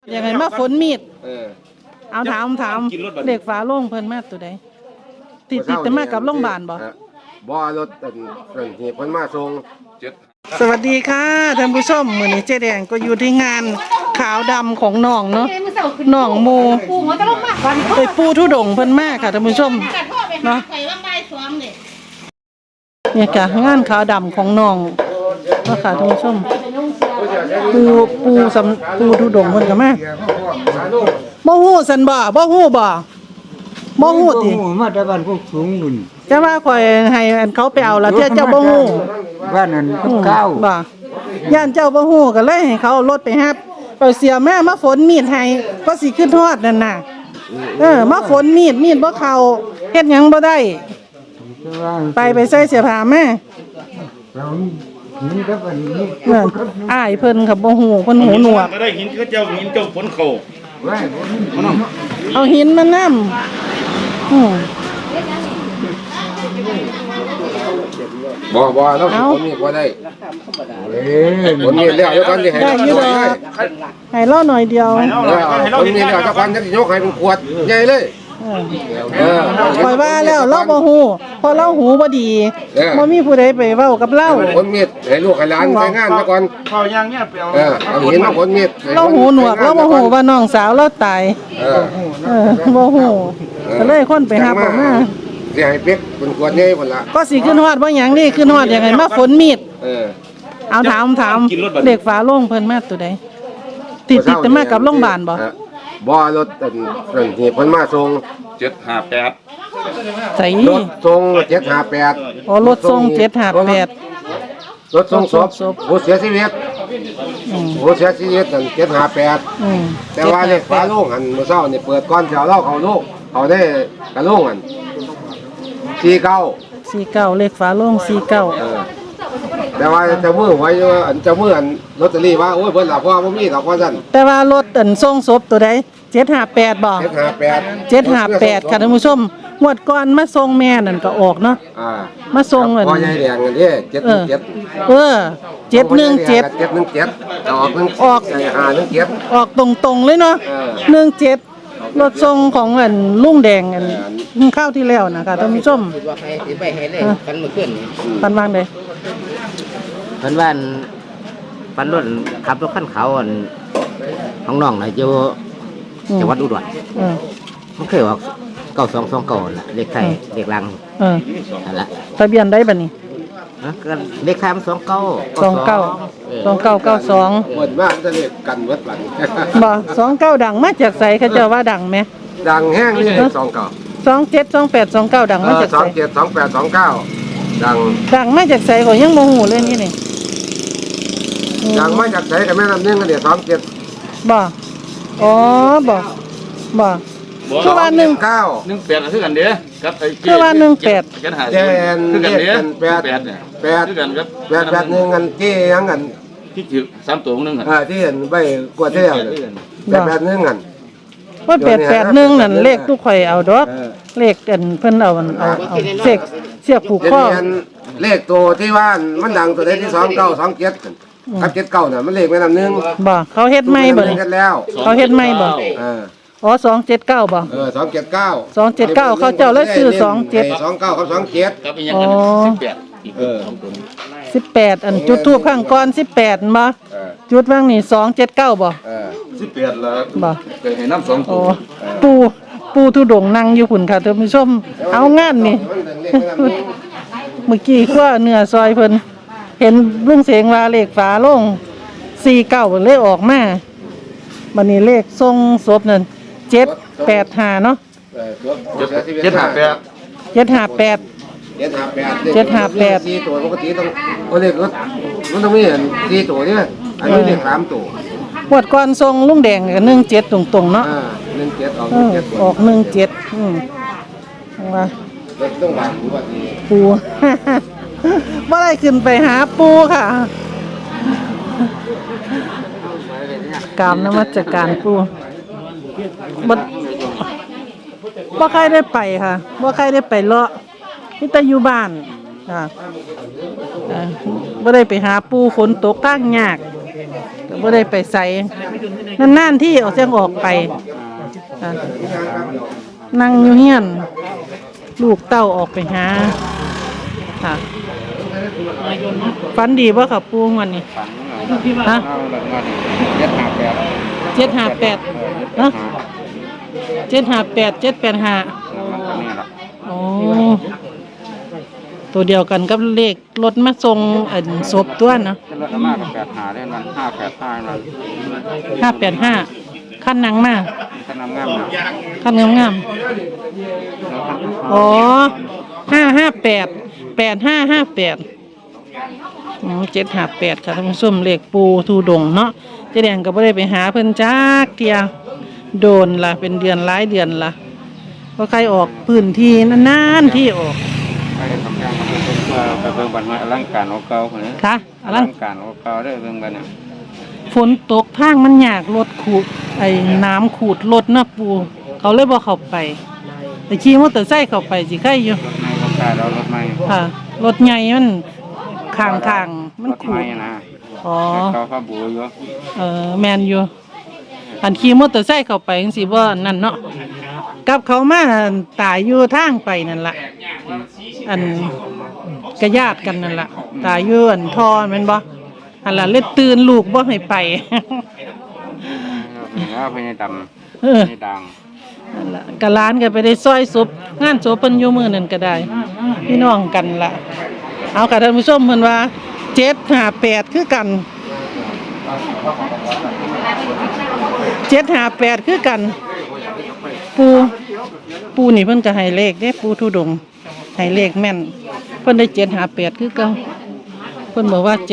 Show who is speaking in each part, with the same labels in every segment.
Speaker 1: ยังไงมาฝนมีดเอาถามเด็กฝาโล่งเพิ่นมาตัวใดติดแต่มากับโรงพยาบาลบ่
Speaker 2: รถที่เพิ่นมาส่ง
Speaker 1: สวัสดีค่ะท่านผู้ชมมื้อนี้เจ๊แดงก็อยู่ที่งานขาวดำของน้องเนาะน้องโมไปปูทุดงเพิ่นมาค่ะท่านผู้ชมเนาะเนี่ยค่ะงานขาวดำของน้องเนาะค่ะท่านผู้ชมปูทุดงเพิ่นก็มาบ่ฮู้ซั่นบ่ฮู้ติ
Speaker 3: มาแต่บ้านพวกสูงนุ่น
Speaker 1: จะว่าข่อยให้อันเขาไปเอาละเจ้าบ่ฮู้
Speaker 3: บ้านนั้นเก้า
Speaker 1: บ่ย่านเจ้าบ่ฮู้ก็เลยให้เขาเอารถไปรับไปเสียแม่มาฝนมีดให้ก็สิขึ้นฮอดนั่นน่ะมาฝนมีดบ่เข้าเฮ็ดหยังบ่ได้ไปใส่เสื้อผ้าแม่
Speaker 3: นี่ก็เป็นนี่
Speaker 1: อ้ายเพิ่นก็บ่ฮู้เพิ่นหูหนวก
Speaker 4: ก็ได้หินก็เจ้าหินเจ้าฝนเข้า
Speaker 1: เอาหินมานำ
Speaker 2: บ่แล้วผมมีบ่ได้ผมมีแล้วแล้วกันสิให้
Speaker 1: ให้เล่าหน่อยเดียว
Speaker 2: ผมมีแล้วถ้ากันจะยกให้เป็นขวดใหญ่เลย
Speaker 1: ปล่อยว่าแล้วเราบ่ฮู้พอเราหูบ่ดีบ่มีผู้ใดไปเว้ากับเรา
Speaker 2: ผมมีให้ลูกให้หลานไปงานซะก่อน
Speaker 4: เข้าย่างเนี่ยไป
Speaker 2: เอาหินมาผลมี
Speaker 1: เราหูหนวกเราบ่ฮู้ว่าน้องสาวเราตายบ่ฮู้ก็เลยคนไปหาผมมา
Speaker 2: สิให้เป็กเป็นขวดใหญ่พุ่นล่ะ
Speaker 1: ก็สิขึ้นฮอดบ่หยังนี่ขึ้นฮอดยังไงมาฝนมีดเอาถามเด็กฝาโล่งเพิ่นมาตัวใดติดแต่มากับโรงพยาบาล
Speaker 2: บ่รถที่เพิ่นมาส่ง
Speaker 4: 758
Speaker 1: ใส่
Speaker 2: รถส่ง758
Speaker 1: อ๋อรถส่ง758
Speaker 2: รถส่งศพผู้เสียชีวิตนั่น758แต่ว่าเลขฝาโล่งหันมื้อเช้านี่เปิดก่อนสิเอาเล่าเข้าลูกเขาได้กระโล่งหัน
Speaker 1: 49เลขฝาโล่ง49
Speaker 2: แต่ว่าเจ้ามือไว้อันเจ้ามืออันลอตเตอรี่ว่าโอ้ยเพิ่นหลับว่าบ่มีดอกว่าซั่น
Speaker 1: แต่ว่ารถอันส่งศพตัวใด758บ่758ค่ะท่านผู้ชมงวดก่อนมาส่งแม่นั่นก็ออกเนาะมาส่งอัน
Speaker 2: พ่อใหญ่แดงอันนี้717
Speaker 1: 717ออก
Speaker 2: 517
Speaker 1: ออกตรงๆเลยเนาะ17รถส่งของอันลุงแดงอันข้าวที่แล้วนะคะท่านผู้ชม
Speaker 3: ว่าใครสิไปเฮ็ดเลยกันมื้อคืน
Speaker 1: ปันวางได้
Speaker 3: เพิ่นว่าปันรถขับรถคันเขาอันของน้องน่ะอยู่จังหวัดอุดรมันเคยออก9229น่ะเลขไทยเลขลังนั่นล่ะ
Speaker 1: ทะเบียนได้บัดนี้
Speaker 3: ก็เลขไทยมัน
Speaker 1: 2992
Speaker 2: เหมือนว่าจะเลขกันเบิดบัด
Speaker 1: บ่29ดังมาจากไสเขาเจ้าว่าดังมั้ย
Speaker 2: ดังแห้งนี่
Speaker 1: 27 28 29ดังมาจากไส
Speaker 2: 27 28 29
Speaker 1: ดังมาจากไสก็ยังบ่ฮู้เลยนี่
Speaker 2: ดังมาจากไสก็แม่น้ำนึงก็27
Speaker 1: บ่อ๋อบ่คือว่า19
Speaker 4: 18คือกันเด้กับไอ้
Speaker 1: คือว่า18
Speaker 2: กันหาคือกันเด้8เนี่ย8คือกันครับ881อันที่ยังกัน
Speaker 4: ที่ถือ3ตัวนึง
Speaker 2: ที่เห็นใบกวดเที่ยว881อัน
Speaker 1: ว่า881นั่นเลขทุกข่อยเอาดอกเลขกันเพิ่นเอาเสียบผูกคอ
Speaker 2: เลขตัวที่ว่ามันดังตัวที่2927กับ79น่ะมันเลขแม่น้ำนึง
Speaker 1: บ่เขาเฮ็ดใหม่บ่เขาเฮ็ดใหม่บ่อ๋อ279บ่279เขาเจ้าเลยซื้อ
Speaker 2: 29กับ27
Speaker 4: กับอีหยังกัน
Speaker 1: 18อันจุดทูปข้างก่อน18บ่จุดว่างนี่279บ่
Speaker 4: 18แล้ว
Speaker 1: บ่
Speaker 4: เคยให้นำ2
Speaker 1: ตัวปูทุดงนั่งอยู่พุ่นค่ะท่านผู้ชมเอางานนี่เมื่อกี้คั่วเนื้อซอยเพิ่นเห็นลุงเสงว่าเลขฝาโล่ง49เลขออกมาบัดนี้เลขทรงศพนั่น785เนาะ758
Speaker 2: 4ตัวปกติต้องเลขรถมันต้องมี4ตัวเนี่ยอันนี้เลข3ตัว
Speaker 1: งวดก่อนทรงลุงแดงก็17ตรงๆเนาะ
Speaker 2: 17
Speaker 1: ออก17ว่า
Speaker 2: ต้องบางว่าดี
Speaker 1: ปูบ่ได้ขึ้นไปหาปูค่ะกราบนมัสการปูบ่ใครได้ไปค่ะบ่ใครได้ไปเลาะมีแต่อยู่บ้านค่ะบ่ได้ไปหาปูฝนตกทางยากก็บ่ได้ไปใส่นานๆที่เอาเสียงออกไปค่ะนั่งอยู่เฮียนลูกเต้าออกไปหาค่ะฝันดีบ่ค่ะปูวันนี้ฮะ758เนาะ758 785อ๋อตัวเดียวกันกับเลขรถมาส่งศพตัวเนาะ
Speaker 5: รถมากกับ85ได้มัน585นั่น
Speaker 1: 585ขั้นนังมา
Speaker 5: ขนำงามนะ
Speaker 1: ขั้นงามๆอ๋อ558 758ค่ะท่านผู้ชมเลขปูทูดงเนาะเจ๊แดงก็บ่ได้ไปหาเพิ่นจักเที่ยโดนล่ะเป็นเดือนหลายเดือนล่ะก็ใครออกพื้นที่นานๆที่ออก
Speaker 5: ไปทำงานมาเป็นตัวไปเบิ่งบันไม้อลังการของเก่าคนนี้
Speaker 1: ค่ะ
Speaker 5: อ
Speaker 1: อะไร
Speaker 5: ลังการของเก่าได้เบิ่งกันเนี่ย
Speaker 1: ฝนตกทางมันยากรถขูดน้ำขูดรถนะปูเขาเลยบ่เข้าไปแต่ขี่มอเตอร์ไซค์เข้าไปสิใครอยู่
Speaker 5: รถไม้รถกาเรารถไม้
Speaker 1: ค่ะรถใหญ่มันข้างๆมัน
Speaker 5: รถ
Speaker 1: ขู
Speaker 5: ไม้
Speaker 1: ด
Speaker 5: นะ
Speaker 1: อ๋อ
Speaker 5: เขาพาบูอยู่
Speaker 1: แมนอยู่อันขี่มอเตอร์ไซค์เข้าไปจังซี่บ่นั่นเนาะกับเขามาตายอยู่ทางไปนั่นล่ะอันกระญาติกันนั่นล่ะตายอยู่อันทอแม่นบ่อันล่ะเลยตื่นลูกบ่ให้ไป
Speaker 5: แล้วพญาด
Speaker 1: เออ
Speaker 5: ำพญาดัง
Speaker 1: นั่นล่ะกะร้านก็ไปได้ซอยศพงานศพเพิ่นอยู่มื้อนั้นก็ได้พี่น้องกันล่ะเอาค่ะท่านผู้ชมเพิ่นว่า758คือกัน758คือกันปูนี่เพิ่นก็ให้เลขเด้ปูทุดงค์ให้เลขแม่นเพิ่นได้758คือเก่าเพิ่นบอกว่า758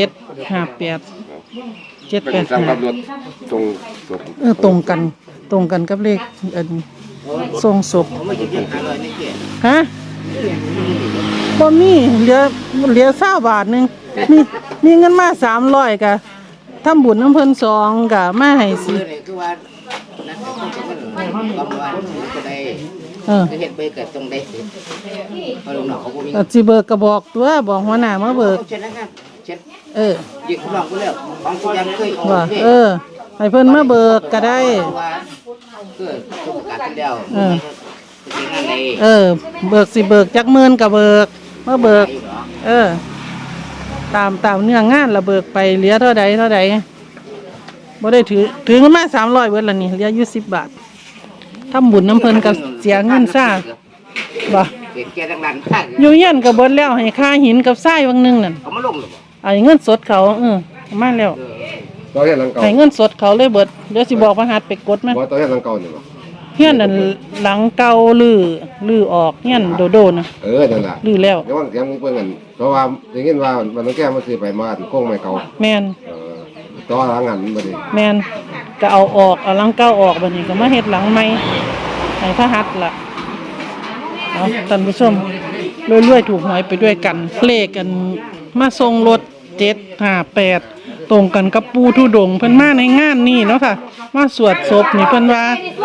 Speaker 2: เป็นสำหรับรถตรงศพ
Speaker 1: ตรงกันกับเลขทรงศพ
Speaker 3: ผมไม่จะกิน500นี่เกี่ย
Speaker 1: ฮะบ่มีเหลือ20 บาทหนึงมีเงินมา300ก็ทำบุญน้ำเพิ่น2ก็มาให้สิ
Speaker 3: ซื้อนี่คือว่านักเป็นคนกำลังซื้อก็ได้
Speaker 1: เออ
Speaker 3: จะเห็นไปเกิดตรงได้สิพอลุงหนอกเขาบ่มี
Speaker 1: ก็สิเบิกก็บอกตัวบอกหัวหน้ามาเบิก
Speaker 3: เช็ดนะครับเช็ด
Speaker 1: เออ
Speaker 3: ยิงคุณลองกูแล้วของกูยังเคยออก
Speaker 1: ว่า
Speaker 3: นี่
Speaker 1: ให้เพิ่นมาเบิกก็ได้
Speaker 3: ว่าเกิดทุกประกาศเป็นแล้ว
Speaker 1: เออ
Speaker 3: จริงๆนั่นเลย
Speaker 1: เบิกสิเบิกจักหมื่นก็เบิกมาเบิก
Speaker 3: อยู่เหรอ
Speaker 1: ตามเนื้องานละเบิกไปเหลือเท่าใดบ่ได้ถือเงินมา300เบิดละนี่เหลืออยู่10 บาททำบุญน้ำเพิ่นก็เสียเงินซ่าบ่
Speaker 3: เด็กแกทั้งนั้นข้าง
Speaker 1: อยู่เฮียนก็เบิดแล้วให้ค่าหินกับทรายวังหนึงนั่น
Speaker 3: เขามาลงหรือเปล่า
Speaker 1: เอาเงินสดเขาเอามาแล้ว
Speaker 2: ตัวเฮ็ดหลังเก่า
Speaker 1: ให้เงินสดเขาเลยเบิดเดี๋ยวสิบอกพระหัตถ์ไปกดมัน
Speaker 2: บ่ตัวเฮ็ดหลังเก่านี่บ่
Speaker 1: เฮียนนั่นหลังเก่าลือออกเฮียนโดนะ
Speaker 2: นั่นล่ะ
Speaker 1: ลือแล้ว
Speaker 2: เดี๋ยววันเสียงมึงเพิ่นกันเพราะว่าได้ยินว่ามันต้องแก้มาซื้อไปมาโค้งไม้เก่า
Speaker 1: แม่น
Speaker 2: ตัวหลังหันบ่ได้
Speaker 1: แม่นก็เอาออกเอาหลังเก่าออกบัดนี้ก็มาเฮ็ดหลังใหม่ให้พระหัตถ์ล่ะเอาท่านผู้ชมรวยๆถูกหวยไปด้วยกันเลขกันมาส่งรถ758ตรงกันกับปูทุดงค์เพิ่นมาในงานนี้เนาะค่ะมาสวดศพนี่เพิ่นว่า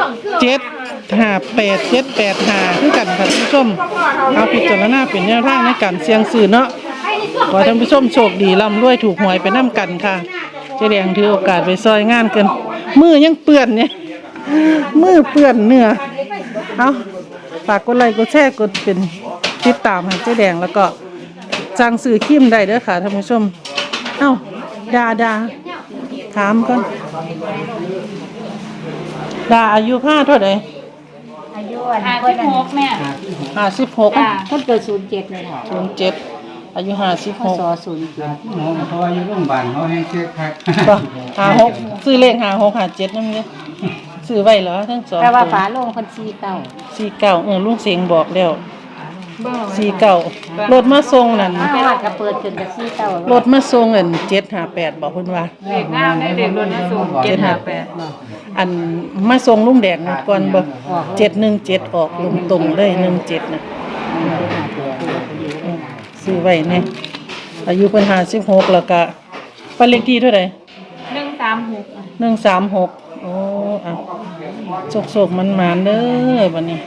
Speaker 1: 758 785คือกันค่ะท่านผู้ชมเอาพิจารณาเป็นแนวทางในการเสี่ยงซื้อเนาะขอให้ท่านผู้ชมโชคดีร่ำรวยถูกหวยไปนํกันค่ะเจ๊แดงถือโอกาสไปซอยงานกันมือยังเปื้อนเนี่ยมือเปื้อนเนื้อเอาฝากกดไลค์กดแชร์กดเป็นติดตามให้เจ๊แดงแล้วก็สั่งซื้อครีมได้เด้อค่ะท่านผู้ชมเอ้าดาถามก่อนดาอายุ5เท่าไหร่
Speaker 6: อายุ56แม่
Speaker 1: 56
Speaker 6: จ้าคนเกิด07เลยค่ะ
Speaker 1: 07อายุ
Speaker 6: พศ
Speaker 1: 56
Speaker 5: เพราะว่าอยู่โรงพยาบาลเขาให้เช็คครับ
Speaker 1: บ่56ซื้อเลข56 57นำเด้อซื้อไว้เหรอทั้งสอง
Speaker 6: แต่ว่า
Speaker 1: ตัว
Speaker 6: ฝาโลงคน49
Speaker 1: ลุงเสียงบอกแล้ว49รถมาส่งนั่น
Speaker 6: แต่ว่าก็เปิดขึ้นกับ49
Speaker 1: รถมาส่งอัน758บอกเพิ่นว่า
Speaker 6: เลขงามได้เลขรถนะสูง758
Speaker 1: อันมาส่งลุงแดงนะก่อนบ่717ออกลงตรงเลย17น่ะซื้อไว้แน่อายุเพิ่น56แล้วก็บ้านเลขที่เท่าใด136โอ้อ่ะโศกๆมันๆเด้อบัดนี้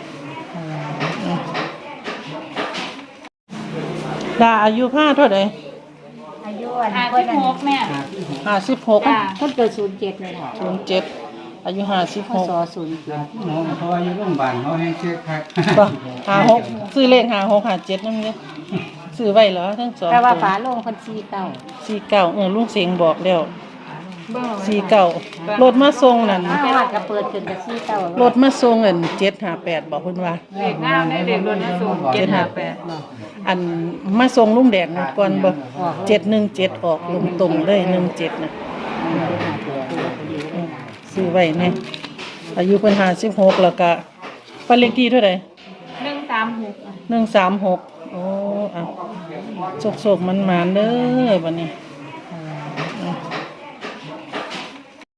Speaker 1: ดาอายุ5เท่าใด
Speaker 6: อายุ
Speaker 7: อัน
Speaker 6: ห้า
Speaker 7: เพิ่
Speaker 6: สิ
Speaker 7: น
Speaker 6: บหกแม่
Speaker 1: 56
Speaker 6: จ้า
Speaker 7: เพิ่นเกิด07เลยค่ะ
Speaker 1: 07อายุ
Speaker 7: พศ
Speaker 1: 56
Speaker 5: เพราะว่าอยู่โรงพยาบาลเขาให้เช็คครับ
Speaker 1: บ่56ซื้อเลข56 57นำเด้อซื้อไว้เหรอทั้งสอง
Speaker 7: แต่ว่า
Speaker 1: ตัว
Speaker 7: ฝาโลงเพิ่น
Speaker 1: 49ลุงเสงบอกแล้ว49รถมาส่งนั่น
Speaker 7: 49มาวัดก็เปิดขึ้นกับ49
Speaker 1: รถมาส่งอัน758บอกเพิ่นว่า
Speaker 6: เด็กงามได้เด็กรถสูง758
Speaker 1: อันมาส่งลุงแดงนั่นก่อนบ่717ออกลงตรงเลย17น่ะซื้อไว้แน่อายุเพิ่น56แล้วก็บ้านเลขที่เท่าใด
Speaker 6: 136
Speaker 1: 136โอ้อ่ะโศกๆมันๆเด้อบัดนี้